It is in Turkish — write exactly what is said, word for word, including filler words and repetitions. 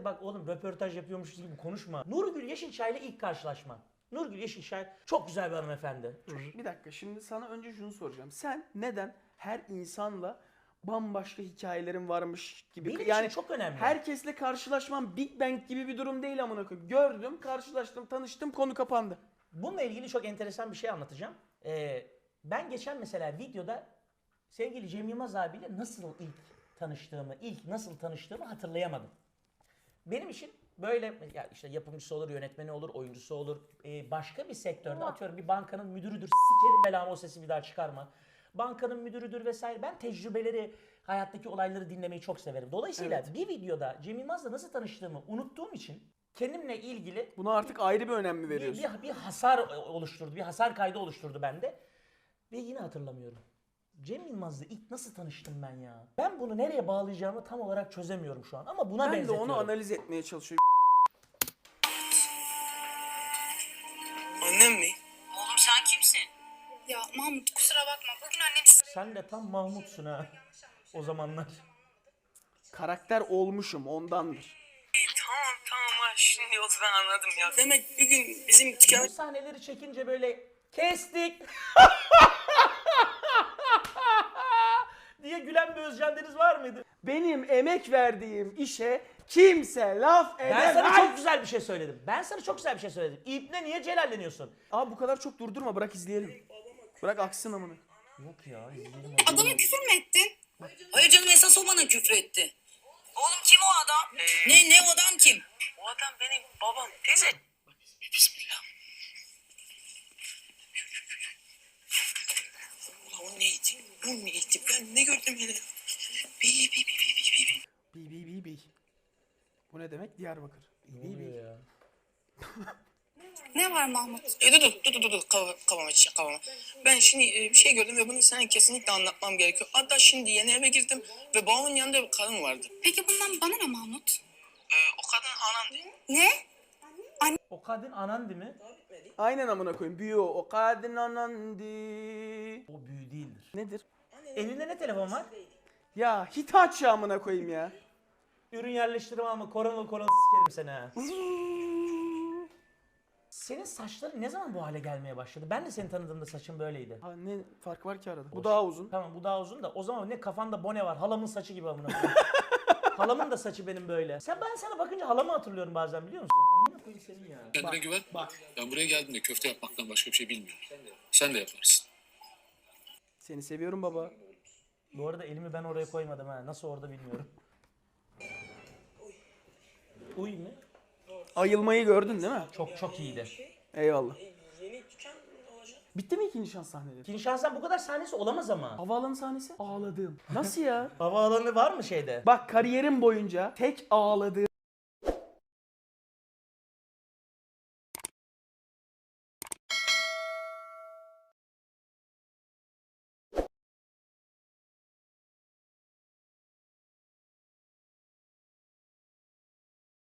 de bak oğlum röportaj yapıyormuşuz gibi konuşma. Nurgül Yeşilçay ile ilk karşılaşma. Nurgül Yeşilçay çok güzel bir hanımefendi. Bir dakika, şimdi sana önce şunu soracağım. Sen neden her insanla bambaşka hikayelerin varmış gibi, Benim yani için çok önemli. herkesle karşılaşmam Big Bang gibi bir durum değil amına koyayım. Gördüm, karşılaştım, tanıştım, konu kapandı. Bununla ilgili çok enteresan bir şey anlatacağım. Ee, ben geçen mesela videoda sevgili Cem Yılmaz abiyle nasıl ilk tanıştığımı, ilk nasıl tanıştığımı hatırlayamadım. Benim için böyle ya işte yapımcısı olur, yönetmeni olur, oyuncusu olur. Ee, başka bir sektörde atıyorum bir bankanın müdürüdür. Sikerim belamı o sesi bir daha çıkarma. Bankanın müdürüdür vesaire. Ben tecrübeleri, hayattaki olayları dinlemeyi çok severim. Dolayısıyla Evet. bir videoda Cem Yılmaz'la nasıl tanıştığımı unuttuğum için kendimle ilgili Buna artık ayrı bir önem mi bir, veriyorsun? bir, bir hasar oluşturdu, bir hasar kaydı oluşturdu bende. Ve yine hatırlamıyorum. Cem Yılmaz'la ilk nasıl tanıştım ben ya? Ben bunu nereye bağlayacağımı tam olarak çözemiyorum şu an ama buna Ben de benzetiyorum. onu analiz etmeye çalışıyorum. Annem mi? Oğlum sen kimsin? Ya Mahmut kusura bakma. Bugün annem Sen de tam Mahmut'sun ha. O zamanlar. Karakter olmuşum, ondandır. Tamam tamam ha şimdi oldu ben anladım ya. Demek bir gün bizim Bu dükkan... sahneleri çekince böyle kestik diye gülen bir Özcan Deniz var mıydı? Benim emek verdiğim işe kimse laf edemez. Ben sana çok güzel bir şey söyledim. Ben sana çok güzel bir şey söyledim. İbne niye celalleniyorsun? Abi bu kadar çok durdurma, bırak izleyelim. Bırak aksın amına. Yok ya izleyelim. adama küfür mü ettin? Hayır canım esas o bana küfür etti. Oğlum kim o adam? Ne ne o adam kim? O adam benim babam teyze. Bismillah. Ulan o neydi? O neydi? Ben ne gördüm yine? Bi bi bi bi bi bi. Bi bi bi bi. Bu ne demek? Diyarbakır. Bi bi bi. ya? Ne var Mahmut? E, dur dur dur dur dur dur kafama kafama çiçek kafama. Ben şimdi e, bir şey gördüm ve bunu sana kesinlikle anlatmam gerekiyor. Hatta şimdi yeni eve girdim ve babamın yanında bir kadın vardı. Peki bundan bana ne Mahmut? E, o kadın anamdı. Ne? O kadın anan değil mi? Aynen amına koyayım. Büyü o. O kadın anandı. O büyü değildir. Nedir? Elinde ne telefon var? Ya Hitachi amına koyayım ya. Ürün yerleştirme ama koronalı koronalı sikerim seni ha. Senin saçların ne zaman bu hale gelmeye başladı? Ben de seni tanıdığımda saçın böyleydi. Ha, ne fark var ki arada? Bu daha uzun. Tamam bu daha uzun da o zaman ne kafanda bone var. Halamın saçı gibi amına koyayım. Halamın da saçı benim böyle. Sen ben sana bakınca halamı hatırlıyorum bazen biliyor musun? Amına koyayım senin ya. Kendine güven. Ben buraya geldiğimde köfte yapmaktan başka bir şey bilmiyorum. Sen de yaparsın. Seni seviyorum baba. Bu arada elimi ben oraya koymadım ha. Nasıl orada bilmiyorum. Uy mu? Ayılmayı gördün değil mi? Çok çok iyiydi. Eyvallah. Yeni dükkan olacak. Bitti mi ikinci şans sahneleri? İkinci şansdan bu kadar sahnesi olamaz ama. Havaalanı sahnesi? Ağladım. Nasıl ya? Havaalanı var mı şeyde? Bak kariyerim boyunca tek ağladığım